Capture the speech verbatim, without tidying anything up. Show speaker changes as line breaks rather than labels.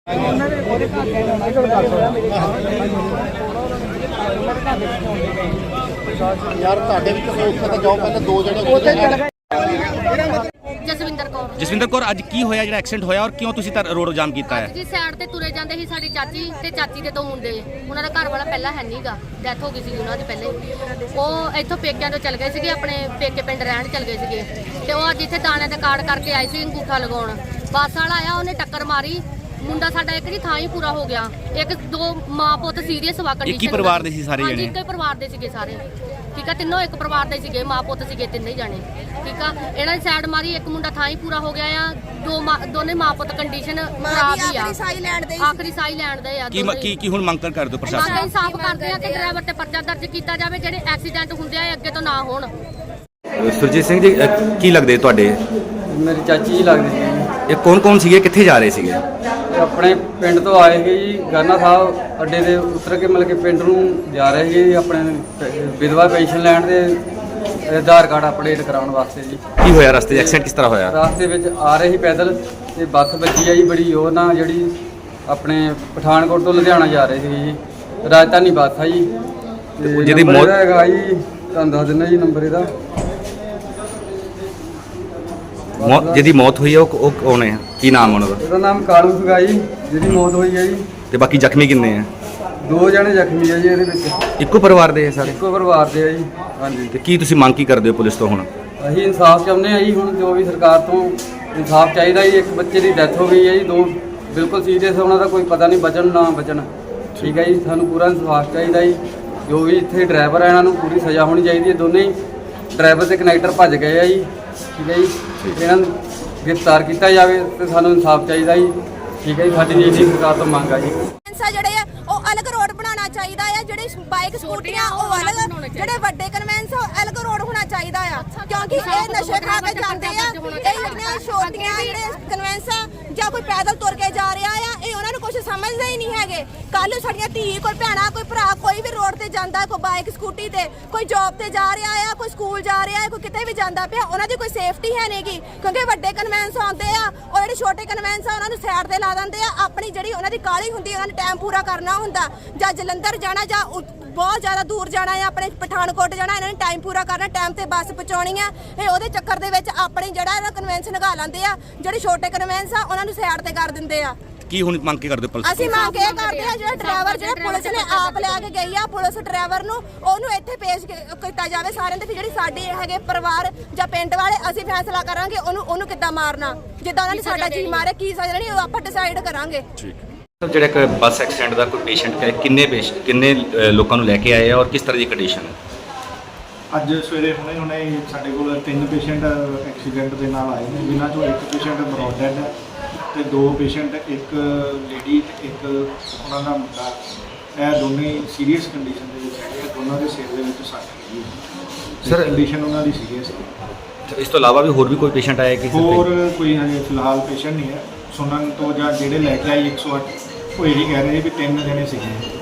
यार ਤੁਹਾਡੇ ਵਿੱਚ ਕੋਈ ਉੱਥੇ ਤਾਂ ਜਾਓ ਪਹਿਲਾਂ ਦੋ ਜਣੇ ਉੱਥੇ
ਜਸਵਿੰਦਰ ਕੌਰ
ਜਸਵਿੰਦਰ ਕੌਰ ਅੱਜ ਕੀ ਹੋਇਆ ਜਿਹੜਾ ਐਕਸੀਡੈਂਟ ਹੋਇਆ ਔਰ ਕਿਉਂ ਤੁਸੀਂ ਤਾਂ ਰੋਡ ਜਾਮ ਕੀਤਾ ਹੈ?
ਜੀ ਸਾਈਡ ਤੇ ਤੁਰੇ ਜਾਂਦੇ ਸੀ ਸਾਡੀ ਚਾਚੀ ਤੇ ਚਾਚੀ ਦੇ ਦੋ ਮੁੰਡੇ, ਉਹਨਾਂ ਦਾ ਘਰ ਵਾਲਾ ਪਹਿਲਾਂ ਹੈ ਨਹੀਂਗਾ, ਡੈਥ ਹੋ ਗਈ ਸੀ ਉਹਨਾਂ ਦੀ ਪਹਿਲੇ। ਉਹ ਇੱਥੋਂ ਪੇਕਿਆਂ ਤੋਂ ਚਲ ਗਏ ਸੀਗੇ, ਆਪਣੇ ਪੇਕੇ ਪਿੰਡ ਰਹਿਣ ਚਲ ਗਏ ਸੀਗੇ ਤੇ ਉਹ ਅੱਜ ਇੱਥੇ ਦਾਣੇ ਤੇ ਕਾਰਡ ਕਰਕੇ ਆਏ ਸੀ ਅੰਗੂਠਾ ਲਗਾਉਣ। ਬੱਸ ਵਾਲਾ ਆਇਆ, ਉਹਨੇ ਟੱਕਰ ਮਾਰੀ, ਮੁੰਡਾ ਸਾਡਾ ਇੱਕ ਦੀ ਥਾਂ ਹੀ ਪੂਰਾ ਹੋ ਗਿਆ। ਇੱਕ ਦੋ ਮਾਂ ਪੁੱਤ ਸੀਰੀਅਸ ਵਾ ਕੰਡੀਸ਼ਨ।
ਇੱਕ ਹੀ ਪਰਿਵਾਰ ਦੇ ਸੀ ਸਾਰੇ ਜਣੇ?
ਇੱਕ ਹੀ ਪਰਿਵਾਰ ਦੇ ਸੀਗੇ ਸਾਰੇ, ਠੀਕ ਆ, ਤਿੰਨੋਂ ਇੱਕ ਪਰਿਵਾਰ ਦੇ ਸੀਗੇ, ਮਾਂ ਪੁੱਤ ਸੀਗੇ ਤਿੰਨੇ ਜਾਣੇ, ਠੀਕ ਆ। ਇਹਨਾਂ ਦੀ ਸਾਈਡ ਮਾਰੀ, ਇੱਕ ਮੁੰਡਾ ਥਾਂ ਹੀ ਪੂਰਾ ਹੋ ਗਿਆ ਆ, ਦੋ ਦੋਨੇ ਮਾਂ ਪੁੱਤ ਕੰਡੀਸ਼ਨ ਖਰਾਬ ਹੀ ਆ, ਆਖਰੀ ਸਾਈ ਲੈਣ ਦੇ ਆ।
ਕੀ ਕੀ ਕੀ ਹੁਣ ਮੰਗ ਕਰ ਦਿਓ ਪ੍ਰਸ਼ਾਸਨ?
ਮੰਗ ਇਨਸਾਫ ਕਰਦੇ ਆ ਕਿ ਡਰਾਈਵਰ ਤੇ ਪਰਚਾ ਦਰਜ ਕੀਤਾ ਜਾਵੇ, ਜਿਹੜੇ ਐਕਸੀਡੈਂਟ ਹੁੰਦੇ ਆ ਅੱਗੇ ਤੋਂ ਨਾ ਹੋਣ।
ਸੁਰਜੀਤ ਸਿੰਘ ਜੀ, ਕੀ ਲੱਗਦੇ ਤੁਹਾਡੇ?
ਮੇਰੀ ਚਾਚੀ ਜੀ ਲੱਗਦੀ ਸੀ।
ਇਹ ਕੌਣ ਕੌਣ ਸੀਗੇ, ਕਿੱਥੇ ਜਾ ਰਹੇ ਸੀਗੇ?
ਆਪਣੇ ਪਿੰਡ ਤੋਂ ਆਏ ਸੀ ਜੀ, ਗਾਨਾ ਸਾਹਿਬ ਅੱਡੇ ਦੇ ਉਤਰ ਕੇ ਮਤਲਬ ਕਿ ਪਿੰਡ ਨੂੰ ਜਾ ਰਹੇ ਸੀ ਜੀ, ਆਪਣੇ ਵਿਧਵਾ ਪੈਨਸ਼ਨ ਲੈਣ ਦੇ ਆਧਾਰ ਕਾਰਡ ਅਪਡੇਟ ਕਰਾਉਣ ਵਾਸਤੇ ਜੀ।
ਕੀ ਹੋਇਆ ਰਸਤੇ 'ਚ? ਐਕਸੀਡੈਂਟ ਕਿਸ ਤਰ੍ਹਾਂ ਹੋਇਆ?
ਰਸਤੇ ਵਿੱਚ ਆ ਰਹੇ ਸੀ ਪੈਦਲ ਤੇ ਬੱਸ ਵੱਜੀ ਆ ਜੀ ਬੜੀ ਜ਼ੋਰ ਨਾਲ, ਜਿਹੜੀ ਆਪਣੇ ਪਠਾਨਕੋਟ ਤੋਂ ਲੁਧਿਆਣਾ ਜਾ ਰਹੇ ਸੀ ਜੀ, ਰਾਜਧਾਨੀ ਬੱਸ ਆ ਜੀ। ਤੇ
ਜਿਹਦੀ
ਨੰਬਰ
ਮੌਤ
ਇਹਦਾ ਹੈਗਾ ਜੀ, ਤੁਹਾਨੂੰ ਦੱਸ ਦਿੰਦਾ ਜੀ ਨੰਬਰ ਇਹਦਾ।
ਜਿਹਦੀ ਮੌਤ ਹੋਈ ਹੈ ਉਹ ਉਹ ਕੌਣ ਹੈ, ਕੀ ਨਾਮ ਉਹਨਾਂ ਦਾ?
ਇਹਦਾ ਨਾਮ ਕਾਲੂ ਸੀਗਾ ਜੀ, ਜਿਹਦੀ ਮੌਤ ਹੋਈ ਹੈ ਜੀ।
ਤੇ ਬਾਕੀ ਜ਼ਖਮੀ ਕਿੰਨੇ ਆ?
ਦੋ ਜਣੇ ਜ਼ਖਮੀ ਆ ਜੀ ਇਹਦੇ ਵਿੱਚ।
ਇੱਕੋ ਪਰਿਵਾਰ ਦੇ ਸਾਰੇ?
ਇੱਕੋ ਪਰਿਵਾਰ ਦੇ ਆ ਜੀ। ਹਾਂਜੀ।
ਤੇ ਕੀ ਤੁਸੀਂ ਮੰਗ ਕੀ ਕਰਦੇ ਹੋ ਪੁਲਿਸ ਤੋਂ ਹੁਣ?
ਅਸੀਂ ਇਨਸਾਫ ਚਾਹੁੰਦੇ ਆ ਜੀ, ਹੁਣ ਜੋ ਵੀ ਸਰਕਾਰ ਤੋਂ ਇਨਸਾਫ ਚਾਹੀਦਾ ਜੀ। ਇੱਕ ਬੱਚੇ ਦੀ ਡੈਥ ਹੋ ਗਈ ਹੈ ਜੀ, ਦੋ ਬਿਲਕੁਲ ਸੀਰੀਅਸ, ਉਹਨਾਂ ਦਾ ਕੋਈ ਪਤਾ ਨਹੀਂ ਬਚਣ ਨਾ ਬਚਣ, ਠੀਕ ਹੈ ਜੀ। ਸਾਨੂੰ ਪੂਰਾ ਇਨਸਾਫ ਚਾਹੀਦਾ ਜੀ। ਜੋ ਵੀ ਇੱਥੇ ਡਰਾਈਵਰ ਆ ਇਹਨਾਂ ਨੂੰ ਪੂਰੀ ਸਜ਼ਾ ਹੋਣੀ ਚਾਹੀਦੀ ਹੈ। ਦੋਨੇ ਹੀ ਡਰਾਈਵਰ ਤੇ ਕਨੈਕਟਰ ਭੱਜ ਗਏ ਆ ਜੀ, ਠੀਕ ਹੈ ਜੀ। ਇਹਨਾਂ ਨੂੰ ਗ੍ਰਿਫਤਾਰ ਕੀਤਾ ਜਾਵੇ ਤੇ ਸਾਨੂੰ ਇਨਸਾਫ ਚਾਹੀਦਾ ਜੀ, ਠੀਕ ਹੈ ਜੀ। ਸਾਡੀ ਜੀ ਸਰਕਾਰ ਤੋਂ ਮੰਗ ਆ ਜੀ।
ਜਿਹੜੇ ਆ ਉਹ ਅਲੱਗ ਰੋਡ ਬਣਾਉਣਾ ਚਾਹੀਦਾ ਆ, ਜਿਹੜੇ ਬਾਈਕ ਸਕੂਟੀਆਂ ਉਹ ਅਲੱਗ, ਜਿਹੜੇ ਵੱਡੇ ਕਨਵੈਂਸ ਉਹ ਅਲੱਗ ਰੋਡ ਹੋਣਾ ਚਾਹੀਦਾ ਆ, ਕਿਉਂਕਿ ਇਹ ਨਸ਼ੇ ਖਾ ਕੇ ਜਾਂਦੇ ਆ। ਇਹ ਜਿਹੜੀਆਂ ਛੋਟੀਆਂ ਜਿਹੜੇ ਕਨਵੈਂਸ ਆ ਜਾਂ ਕੋਈ ਪੈਦਲ ਤੁਰ ਕੇ ਜਾ ਰਿਹਾ ਆ, ਇਹ ਉਹਨਾਂ ਨੂੰ ਕੁਝ ਸਮਝਦੇ ਹੀ ਨਹੀਂ ਹੈਗੇ। ਕੱਲ ਸਾਡੀਆਂ ਧੀ, ਕੋਈ ਭੈਣਾ, ਕੋਈ ਭਰਾ, ਕੋਈ ਵੀ ਰੋਡ ਤੇ ਜਾਂਦਾ, ਕੋਈ ਬਾਈਕ ਸਕੂਟੀ ਤੇ, ਕੋਈ ਜੌਬ ਤੇ ਜਾ ਰਿਹਾ ਆ, ਕੋਈ ਸਕੂਲ ਜਾ ਰਿਹਾ ਆ, ਕੋਈ ਕਿਤੇ ਵੀ ਜਾਂਦਾ ਪਿਆ, ਉਹਨਾਂ ਦੀ ਕੋਈ ਸੇਫਟੀ ਹੈ ਨਹੀਂਗੀ, ਕਿਉਂਕਿ ਵੱਡੇ ਕਨਵੈਂਸ ਆਉਂਦੇ ਆ, ਉਹ ਜਿਹੜੇ ਛੋਟੇ ਕਨਵੈਂਸ ਆ ਉਹਨਾਂ ਨੂੰ ਸਾਈਡ ਤੇ ਲਾ ਦਿੰਦੇ ਆ। ਆਪਣੀ ਜਿਹੜੀ ਉਹਨਾਂ ਦੀ ਕਾਹਲੀ ਹੁੰਦੀ, ਉਹਨਾਂ ਨੇ ਟਾਈਮ ਪੂਰਾ ਕਰਨਾ ਹੁੰਦਾ, ਜਾਂ ਜਲੰਧਰ ਜਾਣਾ ਜਾਂ ਬਹੁਤ ਜ਼ਿਆਦਾ ਦੂਰ ਜਾਣਾ ਹੈ, ਆਪਣੇ ਪਠਾਨਕੋਟ ਜਾਣਾ, ਇਹਨਾਂ ਨੇ ਟਾਈਮ ਪੂਰਾ ਕਰਨਾ, ਟਾਈਮ ਤੇ ਬੱਸ ਪਹੁੰਚਾਉਣੀ ਆ। ਇਹ ਉਹਦੇ ਚੱਕਰ ਦੇ ਵਿੱਚ ਆਪਣੀ ਜਿਹੜਾ ਇਹਨਾਂ ਕਨਵੈਂਸ ਲਗਾ ਲੈਂਦੇ ਆ, ਜਿਹੜੇ ਛੋਟੇ ਕਨਵੈਂਸ ਆ ਉਹਨਾਂ ਨੂੰ ਸਾਈਡ ਤੇ ਕਰ ਦਿੰਦੇ ਆ।
ਕੀ ਹੁਣ ਮੰਗ ਕੇ ਕਰਦੇ ਪੁਲਿਸ?
ਅਸੀਂ ਮੰਗ ਇਹ ਕਰਦੇ ਆ, ਜਿਹੜਾ ਡਰਾਈਵਰ ਜਿਹੜਾ ਪੁਲਿਸ ਨੇ ਆਪ ਲਿਆ ਕੇ ਗਈ ਆ, ਪੁਲਿਸ ਡਰਾਈਵਰ ਨੂੰ ਉਹਨੂੰ ਇੱਥੇ ਪੇਸ਼ ਕੀਤਾ ਜਾਵੇ ਸਾਰਿਆਂ ਦੇ, ਜਿਹੜੀ ਸਾਡੇ ਹੈਗੇ ਪਰਿਵਾਰ ਜਾਂ ਪਿੰਡ ਵਾਲੇ, ਅਸੀਂ ਫੈਸਲਾ ਕਰਾਂਗੇ ਉਹਨੂੰ ਉਹਨੂੰ ਕਿੱਦਾਂ ਮਾਰਨਾ, ਜਿੱਦਾਂ ਉਹਨਾਂ ਨੇ ਸਾਡਾ ਜੀ ਮਾਰਿਆ, ਕੀ ਸਜ਼ਾ ਦੇਣੀ ਉਹ ਆਪਾਂ ਡਿਸਾਈਡ ਕਰਾਂਗੇ।
ਜਿਹੜਾ ਇੱਕ ਬੱਸ ਐਕਸੀਡੈਂਟ ਦਾ ਕੋਈ ਪੇਸ਼ੈਂਟ ਹੈ, ਕਿੰਨੇ ਪੇਸ਼ ਕਿੰਨੇ ਲੋਕਾਂ ਨੂੰ ਲੈ ਕੇ ਆਏ ਆ ਔਰ ਕਿਸ ਤਰ੍ਹਾਂ ਦੀ ਕੰਡੀਸ਼ਨ ਹੈ?
ਅੱਜ ਸਵੇਰੇ ਹੁਣੇ ਹੁਣੇ ਸਾਡੇ ਕੋਲ ਤਿੰਨ ਪੇਸ਼ੈਂਟ ਐਕਸੀਡੈਂਟ ਦੇ ਨਾਲ ਆਏ ਨੇ, ਜਿਨ੍ਹਾਂ ਚੋਂ ਇੱਕ ਪੇਸ਼ੈਂਟ ਬਰੋਡ ਡੈਡ ਹੈ ਤੇ ਦੋ ਪੇਸ਼ੈਂਟ, ਇੱਕ ਲੇਡੀ ਤੇ ਇੱਕ ਉਹਨਾਂ ਦਾ ਮੁੰਡਾ, ਇਹ ਦੋਨੇ ਸੀਰੀਅਸ ਕੰਡੀਸ਼ਨ ਦੇ ਵਿੱਚ ਹੈਗੇ ਆ। ਦੋਨਾਂ ਦੇ ਸਿਰ ਦੇ ਵਿੱਚ ਸੱਟ ਲੱਗੀ ਹੈ ਸਰ, ਕੰਡੀਸ਼ਨ ਉਹਨਾਂ ਦੀ ਸੀਰੀਅਸ ਹੈ।
ਇਸ ਤੋਂ ਇਲਾਵਾ ਵੀ ਹੋਰ ਵੀ ਕੋਈ ਪੇਸ਼ੈਂਟ ਆਇਆ ਕਿ
ਹੋਰ ਕੋਈ ਹਜੇ ਫਿਲਹਾਲ ਪੇਸ਼ੈਂਟ ਨਹੀਂ ਹੈ। ਸੁਣਨ ਤੋਂ ਜਾਂ ਜਿਹੜੇ ਲੈ ਕੇ ਆਏ ਇੱਕ ਸੌ ਅੱਠ ਉਹ ਇਹੀ ਕਹਿ ਰਹੇ ਵੀ ਤਿੰਨ ਜਣੇ ਸੀਗੇ।